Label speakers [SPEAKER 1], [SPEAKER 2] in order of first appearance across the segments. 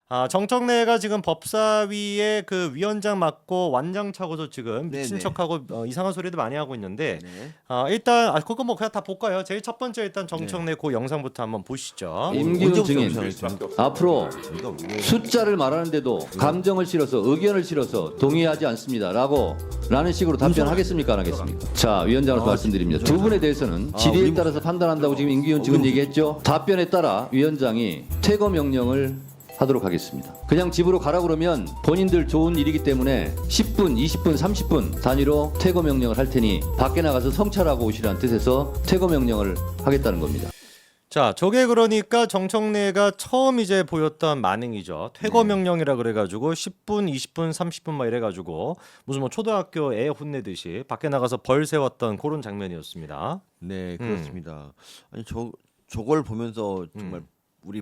[SPEAKER 1] 정청래가 지금 법사위의 그 위원장 맡고 완장 차고서 지금 미친
[SPEAKER 2] 네네.
[SPEAKER 1] 척하고 이상한 소리도 많이 하고 있는데
[SPEAKER 2] 네.
[SPEAKER 1] 일단 그거 뭐 그냥 다 볼까요? 제일 첫 번째 일단 정청래 그 영상부터 한번 보시죠.
[SPEAKER 3] 임기훈 증인 앞으로
[SPEAKER 2] 이거 왜
[SPEAKER 3] 숫자를 말하는데도 감정을 실어서 의견을 실어서 동의하지 않습니다라고 라는 식으로 답변하겠습니까 안 하겠습니까? 자 위원장으로서 말씀드립니다. 두 분에 대해서는 질의에 따라서 판단한다고 지금 임기훈 증인 얘기했죠. 답변에 따라 위원장이 퇴거 명령을 하도록 하겠습니다. 그냥 집으로 가라 그러면 본인들 좋은 일이기 때문에 10분, 20분, 30분 단위로 퇴거 명령을 할 테니 밖에 나가서 성찰하고 오시라는 뜻에서 퇴거 명령을 하겠다는 겁니다.
[SPEAKER 1] 자, 저게 그러니까 정청래가 처음 이제 보였던 만행이죠. 퇴거 명령이라 그래가지고 10분, 20분, 30분 막 이래가지고 무슨 뭐 초등학교 애 혼내듯이 밖에 나가서 벌 세웠던 그런 장면이었습니다.
[SPEAKER 2] 네, 그렇습니다. 아니 저걸 보면서 정말 우리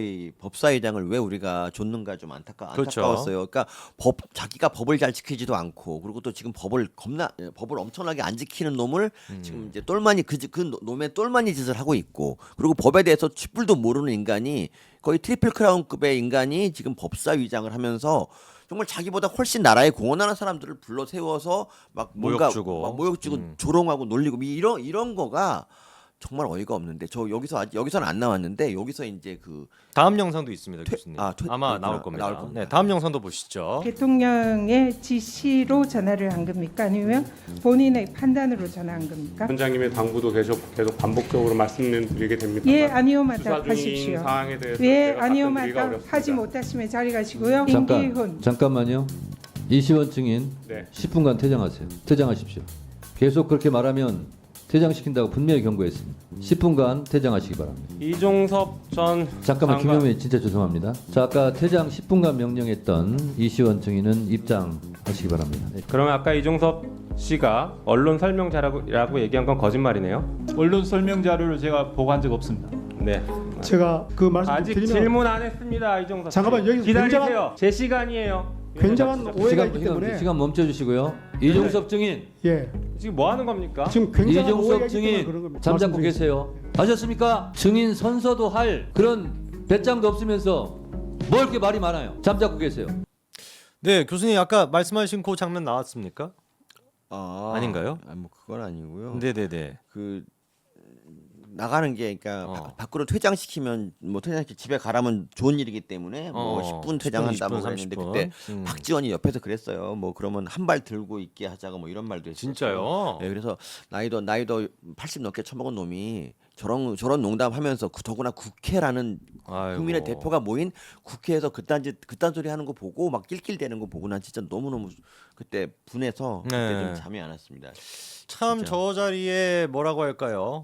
[SPEAKER 2] 법사위장을 왜 우리가 줬는가 좀
[SPEAKER 1] 그렇죠.
[SPEAKER 2] 안타까웠어요. 그러니까 자기가 법을 잘 지키지도 않고 그리고 또 지금 법을 엄청나게 안 지키는 놈을 지금 이제 똘마니 그 놈의 똘마니 짓을 하고 있고 그리고 법에 대해서 쥐뿔도 모르는 인간이 거의 트리플 크라운급의 인간이 지금 법사위장을 하면서 정말 자기보다 훨씬 나라에 공헌하는 사람들을 불러 세워서 막 뭔가 모욕 주고 조롱하고 놀리고 이런 거가 정말 어이가 없는데 저 여기서는 안 나왔는데 여기서 이제 그
[SPEAKER 1] 다음 영상도 있습니다, 교수님. 아마
[SPEAKER 2] 있구나.
[SPEAKER 1] 나올 겁니다.
[SPEAKER 2] 나올 겁니다.
[SPEAKER 1] 네, 다음 영상도 보시죠.
[SPEAKER 4] 대통령의 지시로 전화를 한 겁니까? 아니면 본인의 판단으로 전화한 겁니까?
[SPEAKER 5] 원장님의 당부도 계속 반복적으로 말씀드리게 됩니다.
[SPEAKER 4] 예, 아니오만
[SPEAKER 5] 수사 중인
[SPEAKER 4] 답하십시오.
[SPEAKER 5] 사항에 대해서
[SPEAKER 4] 예,
[SPEAKER 5] 제가
[SPEAKER 4] 아니오만
[SPEAKER 5] 답변드리기가 어렵습니다.
[SPEAKER 4] 하지 못하시면 자리 가시고요. 임기훈.
[SPEAKER 3] 잠깐만요. 이시원 증인
[SPEAKER 5] 네.
[SPEAKER 3] 10분간 퇴장하세요. 퇴장하십시오. 계속 그렇게 말하면 퇴장시킨다고 분명히 경고했습니다. 10분간 퇴장하시기 바랍니다.
[SPEAKER 5] 이종섭 전
[SPEAKER 3] 잠깐만
[SPEAKER 5] 장관-
[SPEAKER 3] 김영민 진짜 죄송합니다. 자 아까 퇴장 10분간 명령했던 이시원 증인은 입장하시기 바랍니다. 네.
[SPEAKER 5] 그러면 아까 이종섭 씨가 언론 설명자라고 얘기한 건 거짓말이네요.
[SPEAKER 6] 언론 설명 자료를 제가 보고한 적 없습니다.
[SPEAKER 5] 네.
[SPEAKER 7] 제가 그 말씀 좀
[SPEAKER 5] 아직
[SPEAKER 7] 드리면
[SPEAKER 5] 질문 안 했습니다, 이종섭 씨.
[SPEAKER 7] 잠깐만, 여기서
[SPEAKER 5] 기다리세요. 제 시간이에요.
[SPEAKER 7] 굉장한 오해가 있기 때문에
[SPEAKER 3] 시간 멈춰주시고요. 이종섭 증인,
[SPEAKER 7] 예
[SPEAKER 5] 지금 뭐 하는 겁니까?
[SPEAKER 7] 지금 굉장한 오해가
[SPEAKER 3] 이종섭
[SPEAKER 7] 있기 때문에 그런
[SPEAKER 3] 증인
[SPEAKER 7] 겁니다.
[SPEAKER 3] 잠자코
[SPEAKER 7] 말씀드리겠습니다.
[SPEAKER 3] 계세요. 아셨습니까? 증인 선서도 할 그런 배짱도 없으면서 뭘 이렇게 말이 많아요. 잠자코 계세요.
[SPEAKER 1] 네, 교수님 아까 말씀하신 그 장면 나왔습니까? 아닌가요?
[SPEAKER 2] 뭐 그건 아니고요.
[SPEAKER 1] 네네네.
[SPEAKER 2] 그 나가는 게 그러니까 밖으로 퇴장시키면 뭐 퇴장시키 집에 가라면 좋은 일이기 때문에 뭐 10분 퇴장한다
[SPEAKER 1] 10분,
[SPEAKER 2] 뭐 그랬는데
[SPEAKER 1] 30분.
[SPEAKER 2] 그때 박지원이 옆에서 그랬어요. 뭐 그러면 한 발 들고 있게 하자고 뭐 이런 말도 했어요.
[SPEAKER 1] 진짜요?
[SPEAKER 2] 네, 그래서 나이도 80 넘게 처먹은 놈이 저런 농담하면서 더구나 국회라는
[SPEAKER 1] 아이고.
[SPEAKER 2] 국민의 대표가 모인 국회에서 그딴 소리 하는 거 보고 막 낄낄대는 거 보고 난 진짜 너무너무 그때 분해서 그때
[SPEAKER 1] 네.
[SPEAKER 2] 좀 잠이 안 왔습니다.
[SPEAKER 1] 참
[SPEAKER 2] 진짜.
[SPEAKER 1] 저 자리에 뭐라고 할까요?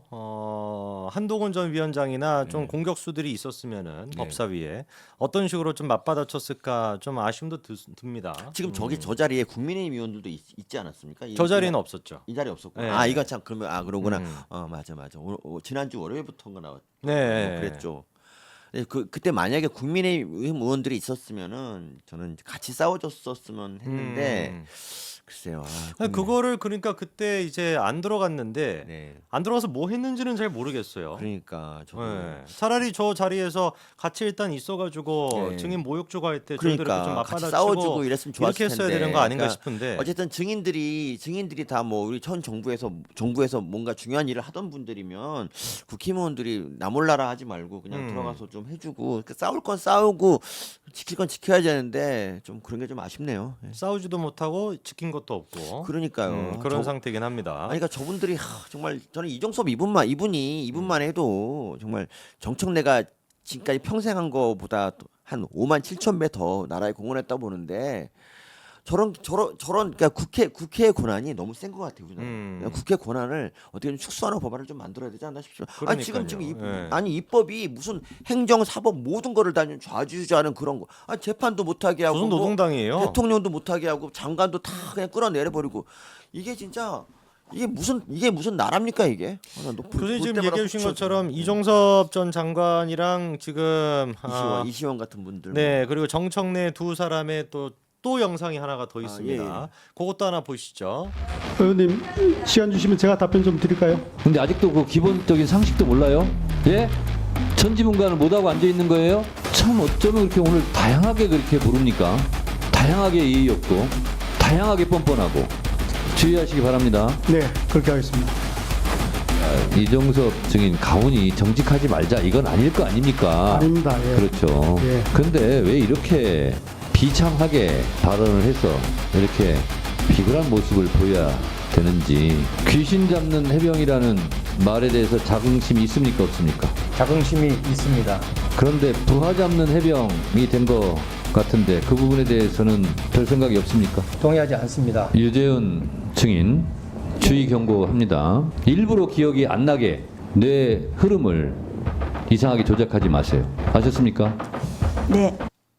[SPEAKER 1] 한동훈 전 위원장이나 좀 공격수들이 있었으면은 법사위에 어떤 식으로 좀 맞받아쳤을까 좀 아쉬움도 듭니다.
[SPEAKER 2] 지금 저 자리에 국민의힘 의원들도 있지 않았습니까?
[SPEAKER 1] 저 자리는 없었죠.
[SPEAKER 2] 이 자리 없었고.
[SPEAKER 1] 네.
[SPEAKER 2] 이거 참 그러면 그러구나. 맞아. 지난주 월요일부터인가
[SPEAKER 1] 네.
[SPEAKER 2] 그랬죠. 그때 만약에 국민의힘 의원들이 있었으면은 저는 같이 싸워줬었으면 했는데 글쎄요.
[SPEAKER 1] 그거를 그러니까 그때 이제 안 들어갔는데
[SPEAKER 2] 네.
[SPEAKER 1] 안 들어가서 뭐 했는지는 잘 모르겠어요.
[SPEAKER 2] 그러니까 저
[SPEAKER 1] 네. 차라리 저 자리에서 같이 일단 있어가지고
[SPEAKER 2] 네.
[SPEAKER 1] 증인 모욕 주고 할 때 저희들
[SPEAKER 2] 그러니까
[SPEAKER 1] 좀
[SPEAKER 2] 같이
[SPEAKER 1] 맞받아치고
[SPEAKER 2] 싸워주고 이랬으면 좋았을
[SPEAKER 1] 이렇게 했어야
[SPEAKER 2] 텐데.
[SPEAKER 1] 되는 거 아닌가
[SPEAKER 2] 그러니까
[SPEAKER 1] 싶은데
[SPEAKER 2] 어쨌든 증인들이 다 뭐 우리 전 정부에서 뭔가 중요한 일을 하던 분들이면 국회의원들이 나몰라라 하지 말고 그냥 들어가서 좀 해주고 싸울 건 싸우고 지킬 건 지켜야 되는데 좀 그런 게 좀 아쉽네요. 예.
[SPEAKER 1] 싸우지도 못하고 지킨 것도 없고
[SPEAKER 2] 그러니까요.
[SPEAKER 1] 그런 상태긴 합니다.
[SPEAKER 2] 그러니까 저분들이 정말 저는 이종섭 이분만 해도 정말 정청래가 지금까지 평생 한 거보다 한 5만 7천 배 더 나라에 공헌했다고 보는데 저런 그러니까 국회의 권한이 너무 센 것 같아요. 우리나라. 국회 권한을 어떻게 좀 축소하는 법안을 좀 만들어야 되지 않나 싶습니다. 아니 지금
[SPEAKER 1] 네.
[SPEAKER 2] 입법이 무슨 행정 사법 모든 거를 다 좌지우지하는 그런 거. 재판도 못하게 하고
[SPEAKER 1] 무슨
[SPEAKER 2] 뭐
[SPEAKER 1] 노동당이에요?
[SPEAKER 2] 대통령도 못하게 하고 장관도 다 그냥 끌어내려 버리고 이게 진짜 이게 무슨 나라입니까 이게?
[SPEAKER 1] 교수님 지금 얘기해 주신 것처럼 이종섭 전 장관이랑 지금
[SPEAKER 2] 이시원 같은 분들.
[SPEAKER 1] 네, 그리고 정청래 두 사람의 또 영상이 하나가 더 있습니다. 그것도 하나 보시죠.
[SPEAKER 7] 의원님 시간 주시면 제가 답변 좀 드릴까요?
[SPEAKER 3] 근데 아직도 그 기본적인 상식도 몰라요? 예? 천지문간을 못하고 앉아 있는 거예요? 참 어쩌면 그렇게 오늘 다양하게 그렇게 부릅니까? 다양하게 예의 없고 다양하게 뻔뻔하고 주의하시기 바랍니다.
[SPEAKER 7] 네, 그렇게 하겠습니다.
[SPEAKER 3] 이종섭 증인 가훈이 정직하지 말자 이건 아닐 거 아닙니까?
[SPEAKER 7] 아닙니다. 예.
[SPEAKER 3] 그렇죠.
[SPEAKER 7] 예.
[SPEAKER 3] 근데 왜 이렇게 비참하게 발언을 해서 이렇게 비굴한 모습을 보여야 되는지 귀신 잡는 해병이라는 말에 대해서 자긍심이 있습니까 없습니까?
[SPEAKER 8] 자긍심이 있습니다.
[SPEAKER 3] 그런데 부하 잡는 해병이 된 것 같은데 그 부분에 대해서는 별 생각이 없습니까?
[SPEAKER 8] 동의하지 않습니다.
[SPEAKER 3] 유재훈 증인 주의 경고합니다. 일부러 기억이 안 나게 뇌 흐름을 이상하게 조작하지 마세요. 아셨습니까?
[SPEAKER 9] 네.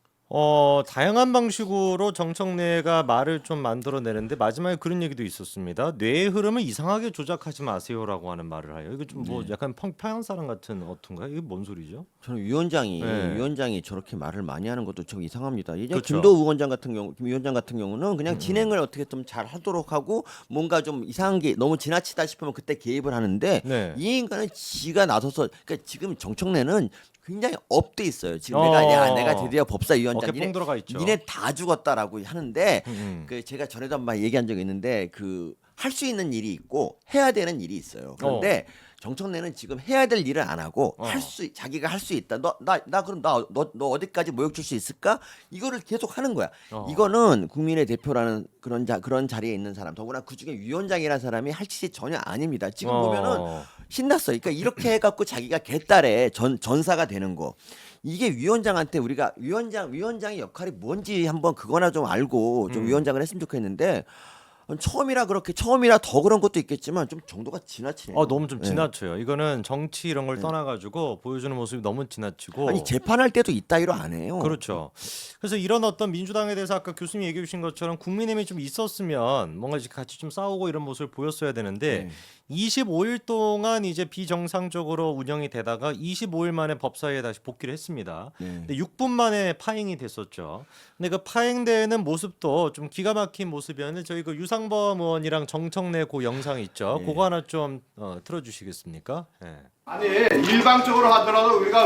[SPEAKER 1] 다양한 방식으로 정청래가 말을 좀 만들어내는데 마지막에 그런 얘기도 있었습니다. 뇌의 흐름을 이상하게 조작하지 마세요라고 하는 말을 해요. 이거 좀 뭐 약간 평양 사람 같은 어떤가요? 이게 뭔 소리죠?
[SPEAKER 2] 저는 위원장이
[SPEAKER 1] 네.
[SPEAKER 2] 저렇게 말을 많이 하는 것도 좀 이상합니다. 예전
[SPEAKER 1] 그렇죠.
[SPEAKER 2] 김도우 위원장 같은 경우, 김 위원장 같은 경우는 그냥 진행을 어떻게 좀 잘 하도록 하고 뭔가 좀 이상한 게 너무 지나치다 싶으면 그때 개입을 하는데
[SPEAKER 1] 네.
[SPEAKER 2] 이 인간은 지가 나서서 그러니까 지금 정청래는 굉장히 업돼 있어요. 지금
[SPEAKER 1] 어.
[SPEAKER 2] 내가 드디어 법사위원장
[SPEAKER 1] 어깨 뽕 들어가 있죠.
[SPEAKER 2] 니네 다 죽었다라고 하는데
[SPEAKER 1] 음.
[SPEAKER 2] 그 제가 전에도 한번 얘기한 적이 있는데 그 할 수 있는 일이 있고 해야 되는 일이 있어요. 그런데 정청래는 지금 해야 될 일을 안 하고 자기가 할 수 있다. 그럼 너 어디까지 모욕 줄 수 있을까? 이거를 계속 하는 거야. 이거는 국민의 대표라는 그런 자리에 있는 사람, 더구나 그 중에 위원장이라는 사람이 할 짓이 전혀 아닙니다. 지금 보면은 신났어요. 그러니까 이렇게 해갖고 자기가 개딸의 전사가 되는 거. 이게 위원장한테 우리가 위원장의 역할이 뭔지 한번 그거나 좀 알고 좀 위원장을 했으면 좋겠는데. 처음이라 더 그런 것도 있겠지만 좀 정도가 지나치네요.
[SPEAKER 1] 너무 좀
[SPEAKER 2] 네.
[SPEAKER 1] 지나쳐요. 이거는 정치 이런 걸 떠나가지고 보여주는 모습이 너무 지나치고.
[SPEAKER 2] 아니 재판할 때도 이따위로 안 해요.
[SPEAKER 1] 그렇죠. 그래서 이런 어떤 민주당에 대해서 아까 교수님이 얘기해 주신 것처럼 국민의힘이 좀 있었으면 뭔가 이제 같이 좀 싸우고 이런 모습을 보였어야 되는데 25일 동안 이제 비정상적으로 운영이 되다가 25일 만에 법사위에 다시 복귀를 했습니다. 근데 6분 만에 파행이 됐었죠. 근데 그 파행되는 모습도 좀 기가 막힌 모습이었는데 저희 그 유상범 의원이랑 정청래 그 영상 있죠. 그거 하나 좀 틀어주시겠습니까? 네.
[SPEAKER 10] 아니 일방적으로 하더라도 우리가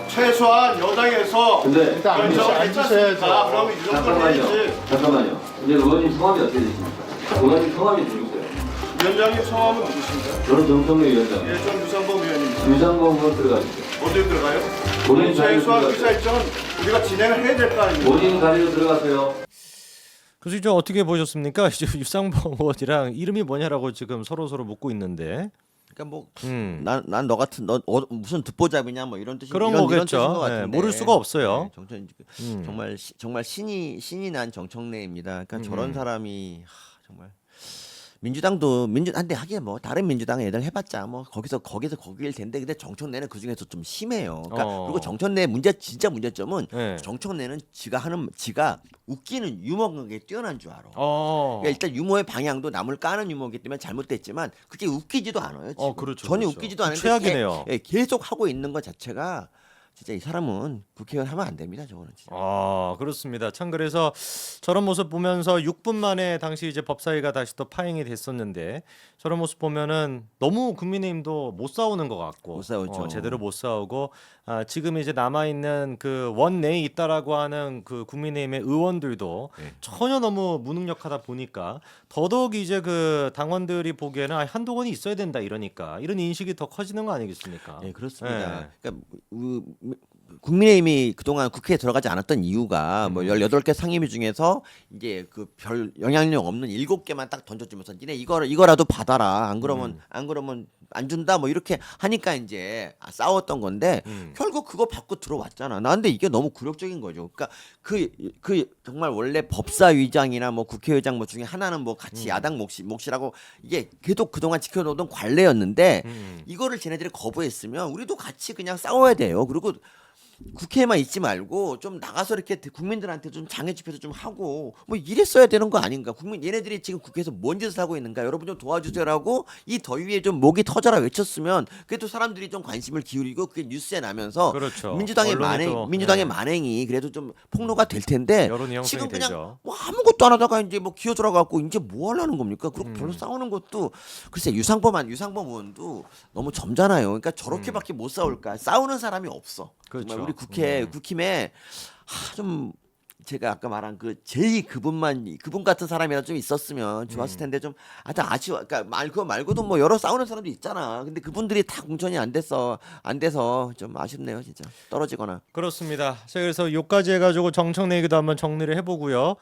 [SPEAKER 10] 최소한 여당에서
[SPEAKER 3] 근데
[SPEAKER 10] 결정을 했잖습니까? 그러면 이 정도는 해야지.
[SPEAKER 3] 잠깐만요. 이제 의원님 성함이 어떻게 되십니까? 의원님 성함이 누구세요?
[SPEAKER 10] 위원장님 성함은 누구신가요?
[SPEAKER 3] 저는 정청래 위원장.
[SPEAKER 10] 예, 전 유상범 의원입니다.
[SPEAKER 3] 유상범 의원 들어가주세요.
[SPEAKER 10] 어디에 들어가요?
[SPEAKER 3] 본인 자리로
[SPEAKER 10] 최소한
[SPEAKER 3] 들어가세요.
[SPEAKER 10] 의사일정은 우리가 진행을 해야 될 거 아닙니까?
[SPEAKER 3] 본인 자리로 들어가세요.
[SPEAKER 1] 그래서 이제 어떻게 보셨습니까? 이제 유상범 의원이랑 이름이 뭐냐라고 지금 서로 묻고 있는데.
[SPEAKER 2] 그러니까 뭐
[SPEAKER 1] 음.
[SPEAKER 2] 너 같은 무슨 듣보잡이냐 뭐 이런 뜻인
[SPEAKER 1] 그런
[SPEAKER 2] 이런
[SPEAKER 1] 거겠죠.
[SPEAKER 2] 뜻인 것
[SPEAKER 1] 네,
[SPEAKER 2] 같은데.
[SPEAKER 1] 모를 수가 없어요.
[SPEAKER 2] 정말 신이 난 정청래입니다. 그러니까 저런 사람이 정말 민주당도 한데 하긴 뭐 다른 민주당 애들 해봤자 뭐 거기서 거길 텐데 근데 정청래는 그 중에서 좀 심해요. 그러니까 그리고 정청래 진짜 문제점은
[SPEAKER 1] 네.
[SPEAKER 2] 정청래는 지가 웃기는 유머가 뛰어난 줄 알아.
[SPEAKER 1] 어.
[SPEAKER 2] 그러니까 일단 유머의 방향도 남을 까는 유머이기 때문에 잘못됐지만 그게 웃기지도 않아요. 지금.
[SPEAKER 1] 그렇죠,
[SPEAKER 2] 전혀
[SPEAKER 1] 그렇죠.
[SPEAKER 2] 웃기지도 않은데
[SPEAKER 1] 최악이네요.
[SPEAKER 2] 계속 하고 있는 것 자체가 진짜 이 사람은 국회의원 하면 안 됩니다. 저거는 진짜.
[SPEAKER 1] 그렇습니다. 참 그래서 저런 모습 보면서 6분 만에 당시 이제 법사위가 다시 또 파행이 됐었는데 저런 모습 보면은 너무 국민의힘도 못 싸우는 것 같고
[SPEAKER 2] 못 싸웠죠.
[SPEAKER 1] 제대로 못 싸우고 지금 이제 남아 있는 그 원내에 있다라고 하는 그 국민의힘의 의원들도 전혀 너무 무능력하다 보니까 더더욱 이제 그 당원들이 보기에는 한동훈이 있어야 된다 이러니까 이런 인식이 더 커지는 거 아니겠습니까?
[SPEAKER 2] 예, 그렇습니다.
[SPEAKER 1] 예.
[SPEAKER 2] 그러니까 국민의힘이 그동안 국회에 들어가지 않았던 이유가 뭐 18개 상임위 중에서 이제 그 별 영향력 없는 7개만 딱 던져주면서 니네 이거라도 받아라. 안 그러면 안 준다. 뭐 이렇게 하니까 이제 싸웠던 건데 결국 그거 받고 들어왔잖아. 나 근데 이게 너무 굴욕적인 거죠. 그러니까 그 정말 원래 법사위장이나 뭐 국회의장 뭐 중에 하나는 뭐 같이 야당 몫이라고 이게 계속 그동안 지켜놓던 관례였는데 이거를 쟤네들이 거부했으면 우리도 같이 그냥 싸워야 돼요. 그리고 국회에만 있지 말고 좀 나가서 이렇게 국민들한테 좀 장애 집회도 좀 하고 뭐 이랬어야 되는 거 아닌가? 국민 얘네들이 지금 국회에서 뭔 짓을 하고 있는가? 여러분 좀 도와주세요라고 이 더위에 좀 목이 터져라 외쳤으면 그래도 사람들이 좀 관심을 기울이고 그게 뉴스에 나면서
[SPEAKER 1] 그렇죠.
[SPEAKER 2] 민주당의
[SPEAKER 1] 언론이 또,
[SPEAKER 2] 민주당의
[SPEAKER 1] 네.
[SPEAKER 2] 만행이 그래도 좀 폭로가 될 텐데
[SPEAKER 1] 여론이 형성이
[SPEAKER 2] 지금 그냥
[SPEAKER 1] 되죠.
[SPEAKER 2] 뭐 아무것도 안 하다가 이제 뭐 기어들어 갖고 이제 뭐 하려는 겁니까? 그리고 별로 싸우는 것도 글쎄 유상범 의원도 너무 점잖아요. 그러니까 저렇게밖에 못 싸울까? 싸우는 사람이 없어.
[SPEAKER 1] 그렇죠.
[SPEAKER 2] 정말 우리 국힘에 좀 제가 아까 말한 그 제이 그분 같은 사람이라 좀 있었으면 좋았을 텐데 좀 하여튼 아쉬워. 그러니까 그거 말고도 뭐 여러 싸우는 사람도 있잖아. 근데 그분들이 다 공천이 안 돼서 좀 아쉽네요, 진짜. 떨어지거나.
[SPEAKER 1] 그렇습니다. 자, 그래서 요까지 해가지고 정청래 얘기도 한번 정리를 해보고요.